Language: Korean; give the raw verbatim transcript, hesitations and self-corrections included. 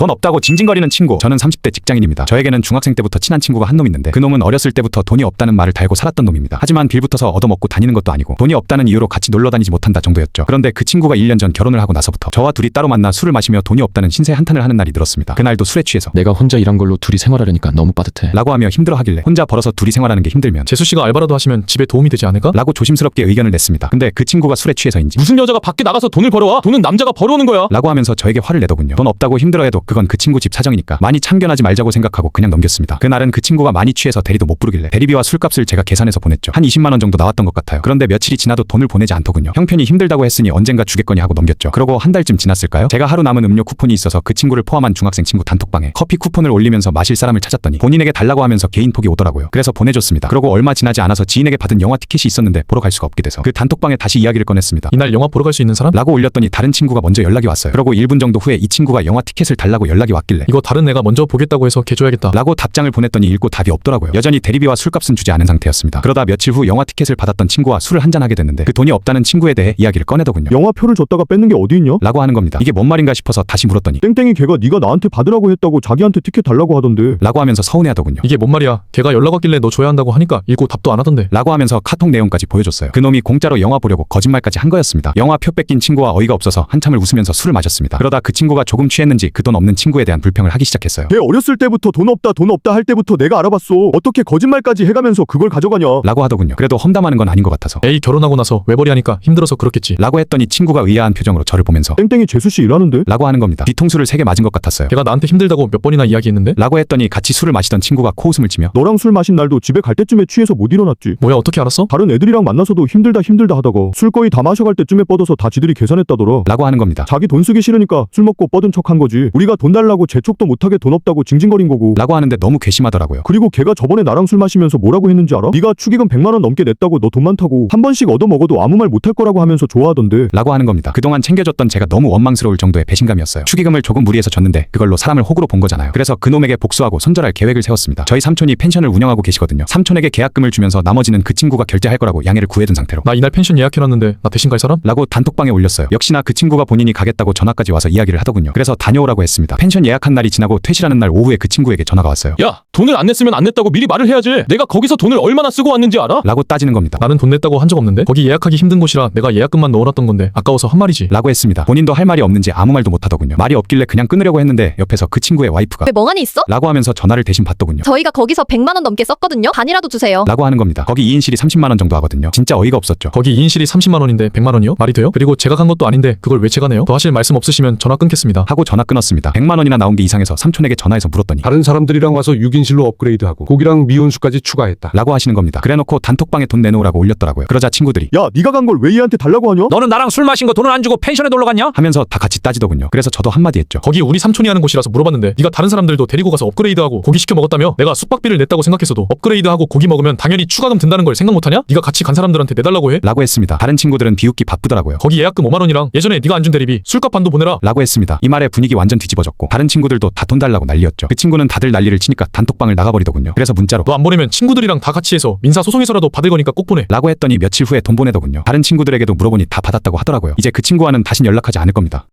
돈 없다고 징징거리는 친구. 저는 삼십 대 직장인입니다. 저에게는 중학생 때부터 친한 친구가 한 놈 있는데 그 놈은 어렸을 때부터 돈이 없다는 말을 달고 살았던 놈입니다. 하지만 빌붙어서 얻어먹고 다니는 것도 아니고 돈이 없다는 이유로 같이 놀러 다니지 못한다 정도였죠. 그런데 그 친구가 일 년 전 결혼을 하고 나서부터 저와 둘이 따로 만나 술을 마시며 돈이 없다는 신세 한탄을 하는 날이 늘었습니다. 그날도 술에 취해서 내가 혼자 일한 걸로 둘이 생활하려니까 너무 빠듯해 라고 하며 힘들어하길래 혼자 벌어서 둘이 생활하는 게 힘들면 재수씨가 알바라도 하시면 집에 도움이 되지 않을까? 라고 조심스럽게 의견을 냈습니다. 근데 그 친구가 술에 취해서인지 무슨 여자가 밖에 나가서 돈을 벌어와? 돈은 남자가 벌어오는 거야. 라고 하면서 저에게 화를 내더군요. 돈 없다고 힘들어해도 그건 그 친구 집 사정이니까 많이 참견하지 말자고 생각하고 그냥 넘겼습니다. 그날은 그 친구가 많이 취해서 대리도 못 부르길래 대리비와 술값을 제가 계산해서 보냈죠. 한 이십만 원 정도 나왔던 것 같아요. 그런데 며칠이 지나도 돈을 보내지 않더군요. 형편이 힘들다고 했으니 언젠가 주겠거니 하고 넘겼죠. 그러고 한 달쯤 지났을까요? 제가 하루 남은 음료 쿠폰이 있어서 그 친구를 포함한 중학생 친구 단톡방에 커피 쿠폰을 올리면서 마실 사람을 찾았더니 본인에게 달라고 하면서 개인톡이 오더라고요. 그래서 보내줬습니다. 그러고 얼마 지나지 않아서 지인에게 받은 영화 티켓이 있었는데 보러 갈 수가 없게 돼서 그 단톡방에 다시 이야기를 꺼냈습니다. 이날 영화 보러 갈 수 있는 사람? 라고 올렸더니 다른 친구가 먼저 연락이 왔어요. 그러고 일 분 정도 후에 이 친구가 영화 티켓을 달라고 연락이 왔길래 이거 다른 애가 먼저 보겠다고 해서 걔 줘야겠다 라고 답장을 보냈더니 읽고 답이 없더라고요. 여전히 대리비와 술값은 주지 않은 상태였습니다. 그러다 며칠 후 영화 티켓을 받았던 친구와 술을 한잔하게 됐는데 그 돈이 없다는 친구에 대해 이야기를 꺼내더군요. 영화표를 줬다가 뺏는 게 어디 있냐? 라고 하는 겁니다. 이게 뭔 말인가 싶어서 다시 물었더니 땡땡이 걔가 네가 나한테 받으라고 했다고 자기한테 티켓 달라고 하던데. 라고 하면서 서운해하더군요. 이게 뭔 말이야? 걔가 연락 왔길래 너 줘야 한다고 하니까 읽고 답도 안 하던데 라고 하면서 카톡 내용까지 보여줬어요. 그놈이 공짜로 영화 보려고 거짓말까지 한 거였습니다. 영화표 뺏긴 친구와 어이가 없어서 한참을 웃으면서 술을 마셨습니다. 그러다 그 친구가 조금 취했는지 그 돈 없는 친구에 대한 불평을 하기 시작했어요. 걔 어렸을 때부터 돈 없다 돈 없다 할 때부터 내가 알아봤어. 어떻게 거짓말까지 해가면서 그걸 가져가냐. 라고 하더군요. 그래도 험담하는 건 아닌 것 같아서 에이 결혼하고 나서 외벌이 하니까 힘들어서 그렇겠지 라고 했더니 친구가 의아한 표정으로 저를 보면서 땡땡이 재수씨 일하는데? 라고 하는 겁니다. 뒤통수를 세 개 맞은 것 같았어요. 걔가 나한테 힘들다고 몇 번이나 이야기했는데? 라고 했더니 같이 술을 마시던 친구가 코웃음을 치며 너랑 술 마신 날도 집에 갈 때쯤에 취해서 못 일어났지. 뭐야 어떻게 알았어? 다른 애들이랑 만나서도 힘들다 힘들다 하다가 술 거의 다 마셔갈 때쯤에 뻗어서 다 지들이 계산했다더라. 라고 하는 겁니다. 자기 돈 쓰기 싫으니까 술 먹고 뻗은 척한 거지. 우리가 돈 달라고 재촉도 못하게 돈 없다고 징징거린 거고. 라고 하는데 너무 괘씸하더라고요. 그리고 걔가 저번에 나랑 술 마시면서 뭐라고 했는지 알아? 네가 축의금 백만 원 넘게 냈다고 너 돈 많다고 한 번씩 얻어먹어도 아무 말 못할 거라고 하면서 좋아하던데. 라고 하는 겁니다. 그동안 챙겨줬던 제가 너무 원망스러울 정도의 배신감이었어요. 축의금을 조금 무리해서 줬는데 그걸로 사람을 호구로 본 거잖아요. 그래서 그놈에게 복수하고 손절할 계획을 세웠습니다. 저희 삼촌이 펜션을 운영하고 계시거든요. 삼촌에게 계약금을 주면서 나머지는 그 친구가 결제할 거라고 양해를 구해둔 상태로 나 이날 펜션 예약해놨는데 나 대신 갈 사람? 라고 단톡방에 올렸어요. 역시나 그 친구가 본인이 가겠다고 전화까지 와서 이야기를 하더군요. 그래서 다녀오라고 했습니다. 펜션 예약한 날이 지나고 퇴실하는 날 오후에 그 친구에게 전화가 왔어요. 야 돈을 안 냈으면 안 냈다고 미리 말을 해야지. 내가 거기서 돈을 얼마나 쓰고 왔는지 알아? 라고 따지는 겁니다. 나는 돈 냈다고 한 적 없는데 거기 예약하기 힘든 곳이라 내가 예약금만 넣어놨던 건데 아까워서 한 말이지 라고 했습니다. 본인도 할 말이 없는지 아무 말도 못하더군요. 말이 없길래 그냥 끊으려고 했는데 옆에서 그 친구의 와이프가 왜 멍하니 있어? 라고 하면서 전화를 대신 받더군요. 저희가 거기서 백만 원 넘게 썼거든요. 반이라도 주세요. 라고 하는 겁니다. 거기 이 인실이 삼십만 원 정도 하거든요. 진짜 어이가 없었죠. 거기 이 인실이 삼십만 원인데 백만 원이요? 말이 돼요? 그리고 제가 간 것도 아닌데 그걸 왜 제가 내요? 더 하실 말씀 없으시면 전화 끊겠습니다 하고 전화 끊었습니다. 백만 원이나 나온 게 이상해서 삼촌에게 전화해서 물었더니 다른 사람들이랑 와서 육 인실로 업그레이드하고 고기랑 미온수까지 추가했다. 라고 하시는 겁니다. 그래놓고 단톡방에 돈 내놓으라고 올렸더라고요. 그러자 친구들이 야 네가 간 걸 왜 얘한테 달라고 하냐? 너는 나랑 술 마신 거 돈을 안 주고 펜션에 놀러 갔냐? 하면서 다 같이 따지더군요. 그래서 저도 한마디 했죠. 거기 우리 삼촌이 하는 곳이라서 물어봤는데 네가 다른 사람들도 데리고 가서 업그레이드하고 고기 시켜 먹었다며? 내가 숙박비를 냈다고 생각했어도 업그레이드하고 고기 먹으면 당연히 추가금 든다는 걸 생각 못하냐? 네가 같이 간 사람들한테 내달라고 해? 라고 했습니다. 다른 친구들은 비웃기 바쁘더라고요. 거기 예약금 오만 원이랑 예전에 네가 안 준 대리비 술값 반도 보내라 라고 했습니다. 이 말에 분위기 완전 뒤집어졌고 다른 친구들도 다 돈 달라고 난리였죠. 그 친구는 다들 난리를 치니까 단톡방을 나가버리더군요. 그래서 문자로 너 안 보내면 친구들이랑 다 같이 해서 민사 소송해서라도 받을 거니까 꼭 보내 라고 했더니 며칠 후에 돈 보내더군요. 다른 친구들에게도 물어보니 다 받았다고 하더라고요. 이제 그 친구와는 다신 연락하지 않을 겁니다.